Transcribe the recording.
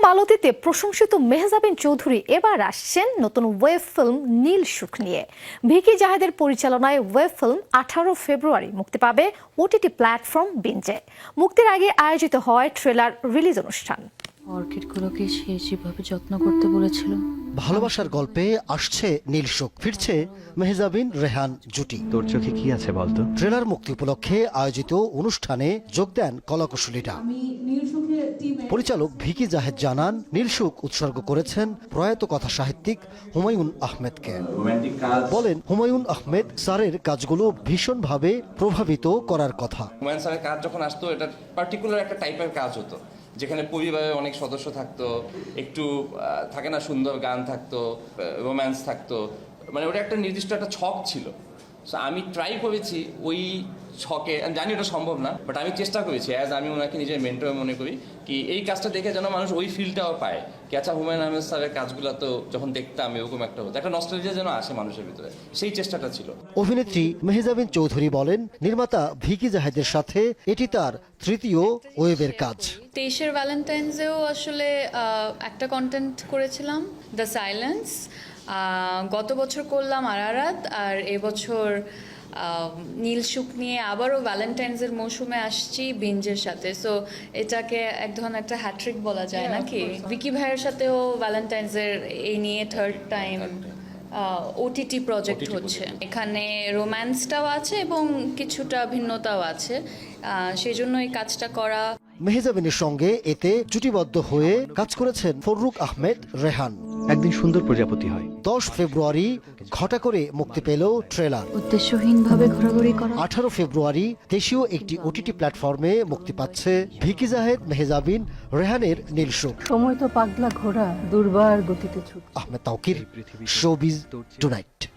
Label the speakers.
Speaker 1: মালতীতে প্রশংসিত মেহজাবিন চৌধুরী এবার আসছেন নতুন ওয়েব ফিল্ম নীল সুখ নিয়ে। ভিকি জাহেদের পরিচালনায় ওয়েব ফিল্ম 18 ফেব্রুয়ারি মুক্তি পাবে ওটিটি প্ল্যাটফর্ম বিঞ্জে। মুক্তির আগে আয়োজিত হয় ট্রেলার রিলিজ অনুষ্ঠান।
Speaker 2: অর্কিডগুলোকে সে যেভাবে যত্ন করতে বলেছিল।
Speaker 3: ভালোবাসার গল্পে আসছে নীল সুখ, ফিরছে মেহজাবিন রেহান জুটি।
Speaker 4: তোর চোখে কি আছে বলতো?
Speaker 3: ট্রেলার মুক্তি উপলক্ষে আয়োজিত অনুষ্ঠানে যোগ দেন কলাকুশলীরা। পরিচালক ভিকি জাহেদ জানান, নীল সুখ উৎসর্গ করেছেন প্রয়াত কথা সাহিত্যিক হুমায়ুন আহমেদকে। বলেন, হুমায়ুন আহমেদ স্যারের কাজগুলো ভীষণভাবে প্রভাবিত করার কথা।
Speaker 5: হুমায়ুন স্যারের কাজ যখন আসতো, এটা পার্টিকুলার একটা টাইপের কাজ হতো, যেখানে পরিবারে অনেক সদস্য থাকতো, একটু থাকে না সুন্দর গান থাকতো, রোম্যান্স থাকতো, মানে ওটা একটা নির্দিষ্ট একটা ছক ছিল। সো আমি ট্রাই করেছি ওই ছকে, আমি জানি ওটা সম্ভব না, বাট আমি চেষ্টা করেছি, অ্যাজ আমি ওনাকে নিজের মেন্টর মনে করি, কি এই কাজটা দেখে যেন মানুষ ওই ফিলটাও পায়। কি আচ্ছা, হুমায়ুন আহমেদ স্যারের কাজগুলো তো যখন দেখতাম এরকম একটা হতো, একটা নস্টালজিয়া যেন আসে মানুষের ভিতরে, সেই চেষ্টাটা ছিল।
Speaker 3: অভিনেত্রী মেহজাবিন চৌধুরী বলেন, নির্মাতা ভিকি জাহেদের সাথে এটি তার তৃতীয় ওয়েবের কাজ।
Speaker 2: 23 ভ্যালেন্টাইন্সেও আসলে একটা কন্টেন্ট করেছিলাম, দ্য সাইলেন্স। গত বছর করলাম আরারাত, আর এবছর নীল সুখ নিয়ে আবারও ভ্যালেন্টাইন্সের মৌসুমে আসছি বিঞ্জের সাথে। সো এটাকে এক ধরনের একটা হ্যাট্রিক বলা যায় নাকি। ভিকি ভাইয়ের সাথেও ভ্যালেন্টাইন্সের এই নিয়ে থার্ড টাইম ওটিটি প্রজেক্ট হচ্ছে। এখানে রোম্যান্সটাও আছে এবং কিছুটা ভিন্নতাও আছে, সেই জন্য এই কাজটা করা।
Speaker 3: মেহজাবিনের সঙ্গে এতে জুটিবদ্ধ হয়ে কাজ করেছেন ফররুক আহমেদ রেহান।
Speaker 4: একদিন সুন্দর প্রজাপতি হয়।
Speaker 3: 10 ফেব্রুয়ারি ঘটা করে মুক্তি পেল ট্রেলার।
Speaker 2: উদ্দেশ্যহীনভাবে ঘোরাঘুরি করা।
Speaker 3: 18 ফেব্রুয়ারি দেশীয় একটি ওটিটি প্ল্যাটফর্মে মুক্তি পাচ্ছে ভিকি জাহেদ, মেহজাবিন রেহানের নীল সুখ।
Speaker 6: সময় তো পাগলা ঘোড়া, দুর্বার গতিতে ছুট।
Speaker 3: Ahmed Tawkir, showbiz tonight.